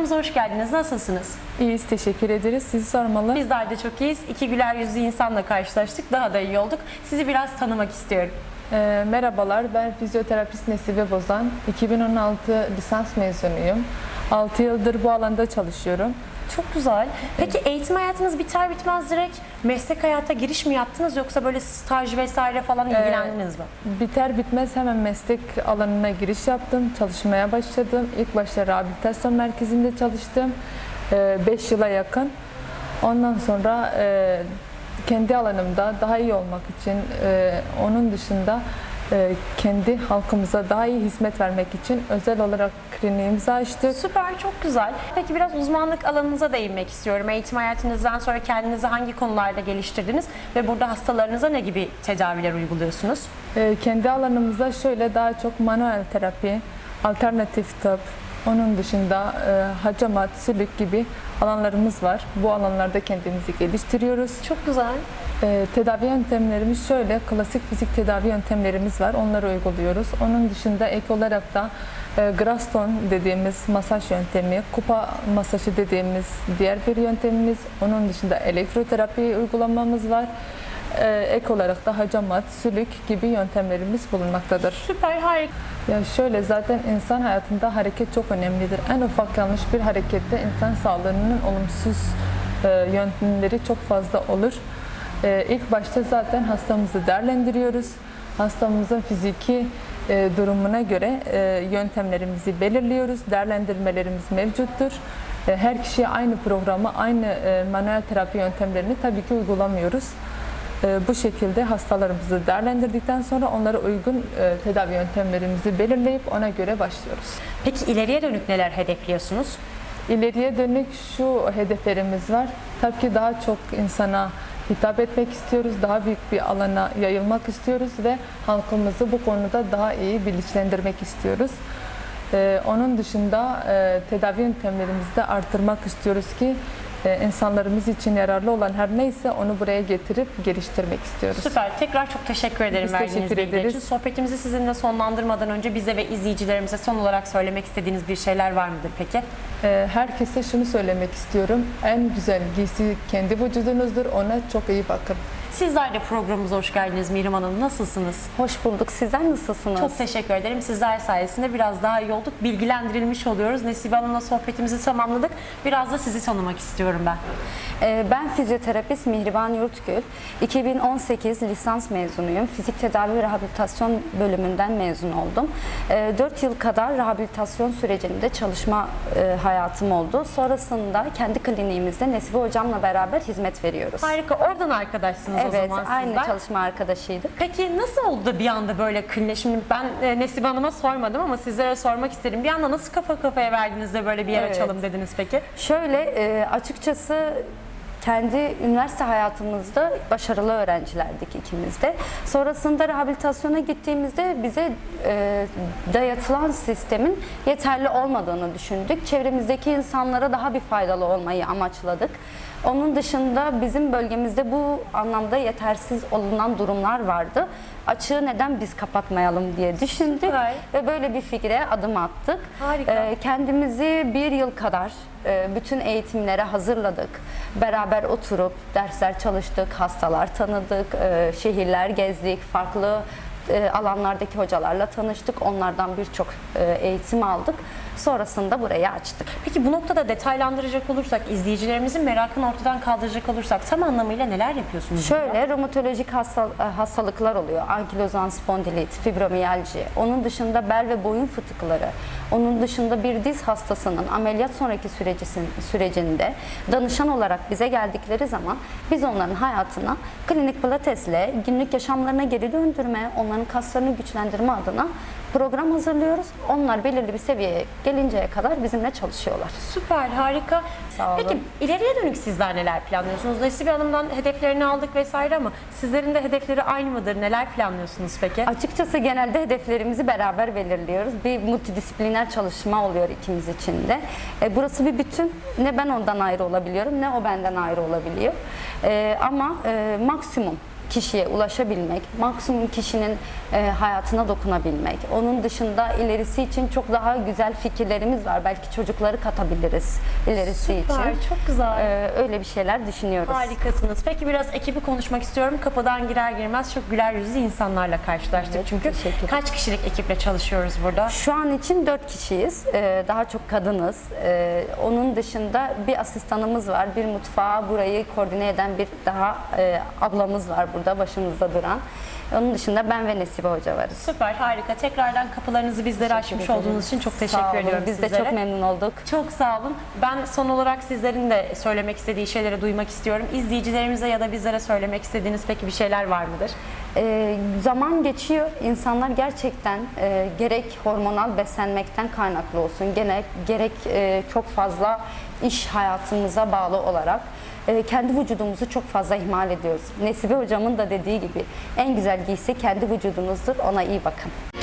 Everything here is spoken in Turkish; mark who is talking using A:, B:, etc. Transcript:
A: Programımıza hoş geldiniz. Nasılsınız?
B: İyiyiz, teşekkür ederiz. Sizi sormalı.
A: Bizler de çok iyiyiz. İki güler yüzlü insanla karşılaştık. Daha da iyi olduk. Sizi biraz tanımak istiyorum.
B: Merhabalar, ben fizyoterapist Nesibe Bozan. 2016 lisans mezunuyum. 6 yıldır bu alanda çalışıyorum.
A: Çok güzel. Peki eğitim hayatınız biter bitmez direkt meslek hayata giriş mi yaptınız yoksa böyle staj vesaire falan ilgilendiniz mi?
B: Biter bitmez hemen meslek alanına giriş yaptım, çalışmaya başladım. İlk başta rehabilitasyon merkezinde çalıştım, 5 yıla yakın. Ondan sonra kendi alanımda daha iyi olmak için, onun dışında kendi halkımıza daha iyi hizmet vermek için özel olarak kliniğimizi açtık.
A: Süper, çok güzel. Peki biraz uzmanlık alanınıza değinmek istiyorum. Eğitim hayatınızdan sonra kendinizi hangi konularda geliştirdiniz ve burada hastalarınıza ne gibi tedaviler uyguluyorsunuz?
B: Kendi alanımızda şöyle daha çok manuel terapi, alternatif tıp, onun dışında hacamat, sülük gibi alanlarımız var. Bu alanlarda kendimizi geliştiriyoruz.
A: Çok güzel.
B: Tedavi yöntemlerimiz şöyle, klasik fizik tedavi yöntemlerimiz var. Onları uyguluyoruz. Onun dışında ek olarak da Graston dediğimiz masaj yöntemi, kupa masajı dediğimiz diğer bir yöntemimiz. Onun dışında elektroterapi uygulamamız var. Ek olarak da hacamat, sülük gibi yöntemlerimiz bulunmaktadır.
A: Süper, harika.
B: Ya şöyle, zaten insan hayatında hareket çok önemlidir. En ufak yanlış bir harekette insan sağlığının olumsuz yöntemleri çok fazla olur. İlk başta zaten hastamızı değerlendiriyoruz. Hastamızın fiziki durumuna göre yöntemlerimizi belirliyoruz. Değerlendirmelerimiz mevcuttur. Her kişiye aynı programı, aynı manuel terapi yöntemlerini tabii ki uygulamıyoruz. Bu şekilde hastalarımızı değerlendirdikten sonra onlara uygun tedavi yöntemlerimizi belirleyip ona göre başlıyoruz.
A: Peki ileriye dönük neler hedefliyorsunuz?
B: İleriye dönük şu hedeflerimiz var. Tabii ki daha çok insana hitap etmek istiyoruz, daha büyük bir alana yayılmak istiyoruz ve halkımızı bu konuda daha iyi bilinçlendirmek istiyoruz. Onun dışında tedavi yöntemlerimizi de artırmak istiyoruz ki insanlarımız için yararlı olan her neyse onu buraya getirip geliştirmek istiyoruz.
A: Süper. Tekrar çok teşekkür ederim
B: Biz
A: verdiğiniz
B: teşekkür
A: bilgiler için.
B: ederiz.
A: Sohbetimizi sizinle sonlandırmadan önce bize ve izleyicilerimize son olarak söylemek istediğiniz bir şeyler var mıdır peki?
B: Herkese şunu söylemek istiyorum. En güzel giysi kendi vücudunuzdur. Ona çok iyi bakın.
A: Sizler de programımıza hoş geldiniz Mihrim Hanım. Nasılsınız?
C: Hoş bulduk. Sizler nasılsınız?
A: Çok teşekkür ederim. Sizler sayesinde biraz daha iyi olduk. Bilgilendirilmiş oluyoruz. Nesibe Hanım'la sohbetimizi tamamladık. Biraz da sizi tanımak istiyorum ben.
C: Ben fizyoterapist Mihriban Yurtgül. 2018 lisans mezunuyum. Fizik tedavi ve rehabilitasyon bölümünden mezun oldum. 4 yıl kadar rehabilitasyon sürecinde çalışma hayatım oldu. Sonrasında kendi kliniğimizde Nesibe Hocam'la beraber hizmet veriyoruz.
A: Harika. Oradan arkadaşsınız o
C: Evet,
A: zaman sizler.
C: aynı çalışma arkadaşıydık.
A: Peki nasıl oldu da bir anda böyle klinik? Şimdi ben Nesibe Hanım'a sormadım ama sizlere sormak isterim. Bir anda nasıl kafa kafaya verdiniz de böyle bir yer
C: Evet.
A: açalım dediniz peki?
C: Şöyle, açıkçası kendi üniversite hayatımızda başarılı öğrencilerdik ikimiz de. Sonrasında rehabilitasyona gittiğimizde bize dayatılan sistemin yeterli olmadığını düşündük. Çevremizdeki insanlara daha bir faydalı olmayı amaçladık. Onun dışında bizim bölgemizde bu anlamda yetersiz olunan durumlar vardı. Açığı neden biz kapatmayalım diye düşündük.
A: Süper.
C: Ve böyle bir fikre adım attık.
A: Harika.
C: Kendimizi bir yıl kadar bütün eğitimlere hazırladık. Beraber oturup dersler çalıştık, hastalar tanıdık, şehirler gezdik, farklı alanlardaki hocalarla tanıştık. Onlardan birçok eğitim aldık. Sonrasında burayı açtık.
A: Peki bu noktada detaylandıracak olursak, izleyicilerimizin merakını ortadan kaldıracak olursak tam anlamıyla neler yapıyorsunuz? burada?
C: Şöyle romatolojik hastalıklar oluyor. Ankilozan spondilit, fibromiyalji. Onun dışında bel ve boyun fıtıkları. Onun dışında bir diz hastasının ameliyat sonraki sürecinde danışan olarak bize geldikleri zaman biz onların hayatına klinik pilatesle günlük yaşamlarına geri döndürme, onların kaslarını güçlendirme adına program hazırlıyoruz. Onlar belirli bir seviyeye gelinceye kadar bizimle çalışıyorlar.
A: Süper, harika.
C: Sağ olun.
A: Peki ileriye dönük sizler neler planlıyorsunuz? Nesibe Hanım'dan hedeflerini aldık vesaire ama sizlerin de hedefleri aynı mıdır? Neler planlıyorsunuz peki?
C: Açıkçası genelde hedeflerimizi beraber belirliyoruz. Bir multidisipliner çalışma oluyor ikimiz için de. Burası bir bütün. Ne ben ondan ayrı olabiliyorum ne o benden ayrı olabiliyor. Ama maksimum kişiye ulaşabilmek, maksimum kişinin hayatına dokunabilmek. Onun dışında ilerisi için çok daha güzel fikirlerimiz var. Belki çocukları katabiliriz ilerisi
A: Süper,
C: için.
A: çok güzel.
C: Öyle bir şeyler düşünüyoruz.
A: Harikasınız. Peki biraz ekibi konuşmak istiyorum. Kapıdan girer girmez çok güler yüzlü insanlarla karşılaştık.
C: Evet,
A: Çünkü
C: teşekkür ederim.
A: kaç kişilik ekiple çalışıyoruz burada?
C: Şu an için 4 kişiyiz. Daha çok kadınız. Onun dışında bir asistanımız var. Bir mutfağa burayı koordine eden bir daha ablamız var burada başımızda duran. Onun dışında ben ve Nesibe Hoca varız.
A: Süper, harika. Tekrardan kapılarınızı bizlere açmış
C: ederim.
A: olduğunuz için çok
C: Sağ
A: teşekkür
C: olun.
A: ediyorum
C: Biz
A: sizlere.
C: de çok memnun olduk.
A: Çok sağ olun. Ben son olarak sizlerin de söylemek istediği şeyleri duymak istiyorum. İzleyicilerimize ya da bizlere söylemek istediğiniz peki bir şeyler var mıdır?
C: Zaman geçiyor. İnsanlar gerçekten gerek hormonal beslenmekten kaynaklı olsun, gerek çok fazla iş hayatımıza bağlı olarak kendi vücudumuzu çok fazla ihmal ediyoruz. Nesibe hocamın da dediği gibi en güzel giysi kendi vücudunuzdur. Ona iyi bakın.